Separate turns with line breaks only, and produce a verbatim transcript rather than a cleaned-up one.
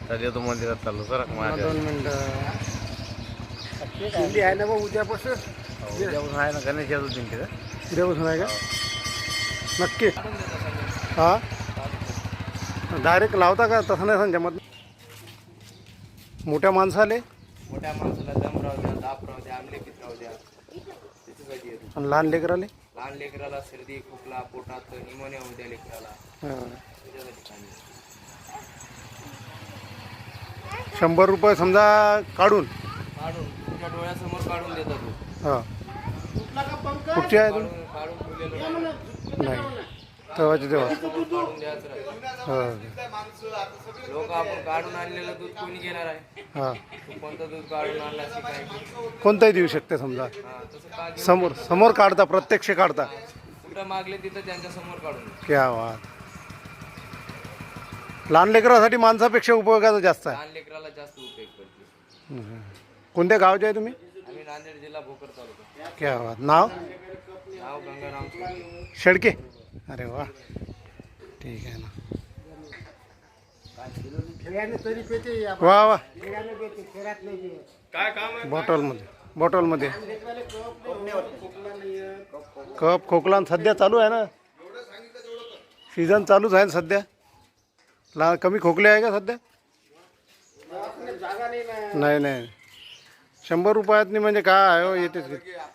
तर येतो मंदिरात चाललो सर माझ्या
दोन मिनटं दिंडी आहे ना बा उद्यापासून.
उद्यापासून आहे ना गणेश चतुर्थी तिथं.
उद्यापासून आहे का नक्की? हां डायरेक्ट लावता का? तसं नाही जमत. मोठ्या माणसाले
मोठ्या माणसाला दम राहू द्या, ताप राहू द्या, आमलेपीत राहू द्या, त्याच्यासाठी येतो.
आणि लहान लेकराले
लहान लेकराला सर्दी खोकला पोटात निमोनिया होऊ द्या लेकराला,
हां.
त्याच्यासाठी चांगलं.
शंभर रुपये समजा काढून
काढून तुमच्या डोळ्यासमोर काढून देतो तू.
हां. कुठची आहे
काढून काढून ठेवलेलं
नाही तेव्हाची तेव्हा
समोर काढून द्यायचं राहतं.
हां
लोक आपण काढून आणलेलं दूध कोणी घेणार आहे?
हां.
तू कोणतं दूध काढून आणला शिकाय?
कोणताही देऊ शकते समजा.
हा तसं का घेऊन
समोर समोर काढता, प्रत्यक्ष काढता.
कुठं मागले तिथं त्यांच्या समोर काढून दे.
क्या वाट. लहान लेकरासाठी माणसापेक्षा उपयोगाचं जास्त आहे.
लहान लेकराला जास्त उपयोग पडते.
हं. कोणत्या गावचे आहे तुम्ही?
आम्ही नांदेड जिल्हा भोकर तालुका.
क्या वाट. नाव
नाव गंगाराम शेळके.
शेळके. अरे वा ठीक आहे ना. वा वा.
काय काम आहे?
बॉटलमध्ये बॉटलमध्ये कप खोकला सध्या चालू आहे ना, सीझन चालूच आहे ना सध्या. ला कमी खोकले आहे का सध्या? नाही नाही शंभर रुपयातनी म्हणजे काय आहे हो, येतेच.